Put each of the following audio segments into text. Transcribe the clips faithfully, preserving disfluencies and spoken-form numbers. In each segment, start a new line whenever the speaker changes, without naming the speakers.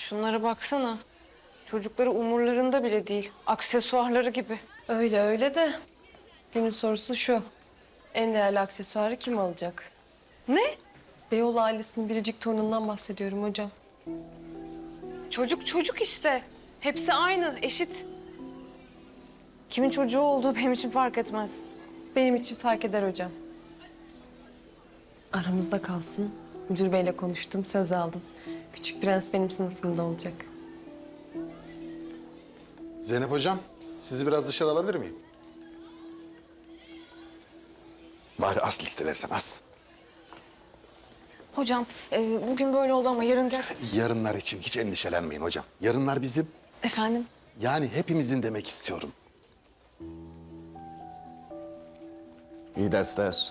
Şunlara baksana. Çocukları umurlarında bile değil. Aksesuarları gibi.
Öyle öyle de günün sorusu şu. En değerli aksesuarı kim alacak?
Ne?
Beyoğlu ailesinin biricik torunundan bahsediyorum hocam.
Çocuk çocuk işte. Hepsi aynı, eşit. Kimin çocuğu olduğu benim için fark etmez.
Benim için fark eder hocam. Aramızda kalsın. Müdür beyle konuştum, söz aldım. Küçük prens benim sınıfımda olacak.
Zeynep hocam, sizi biraz dışarı alabilir miyim? Bari az liste versen az.
Hocam, e, bugün böyle oldu ama yarın gel.
Yarınlar için hiç endişelenmeyin hocam. Yarınlar bizim,
Efendim?
yani hepimizin demek istiyorum.
İyi dersler.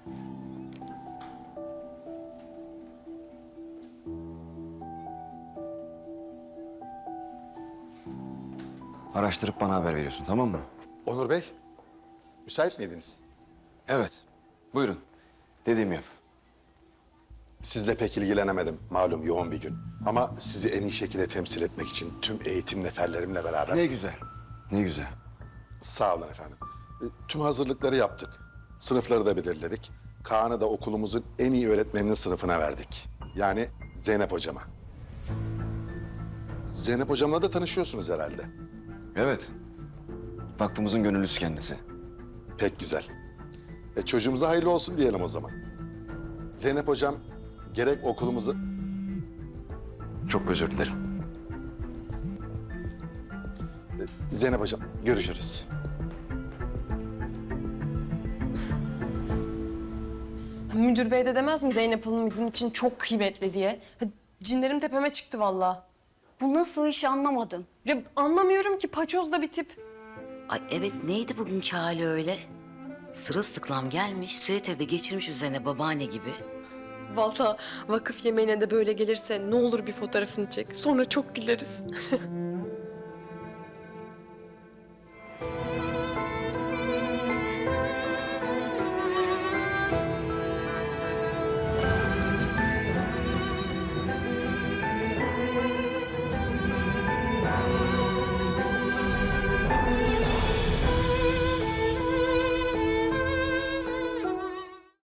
Araştırıp bana haber veriyorsun, tamam mı?
Onur Bey, müsait miydiniz?
Evet. Buyurun. Dediğimi yap.
Sizle pek ilgilenemedim, malum yoğun bir gün. Ama sizi en iyi şekilde temsil etmek için tüm eğitim neferlerimle beraber...
Ne güzel. Ne güzel.
Sağ olun efendim. E, Tüm hazırlıkları yaptık. Sınıfları da belirledik. Kaan'ı da okulumuzun en iyi öğretmeninin sınıfına verdik. Yani Zeynep hocama. Zeynep hocamla da tanışıyorsunuz herhalde.
Evet. Vakfımızın gönüllüsü kendisi.
Pek güzel. E, çocuğumuza hayırlı olsun diyelim o zaman. Zeynep hocam gerek okulumuzu...
Çok özür dilerim.
E, Zeynep hocam görüşürüz.
Müdür bey de demez mi Zeynep Hanım bizim için çok kıymetli diye? Ha, cinlerim tepeme çıktı vallahi.
Bu nasıl iş anlamadım.
Ya anlamıyorum ki paçoz da bir tip.
Ay evet, neydi bugünkü hali öyle? Sırılsıklam gelmiş, süeter'i geçirmiş üzerine babaanne gibi.
Vallahi vakıf yemeğine de böyle gelirse ne olur bir fotoğrafını çek. Sonra çok güleriz.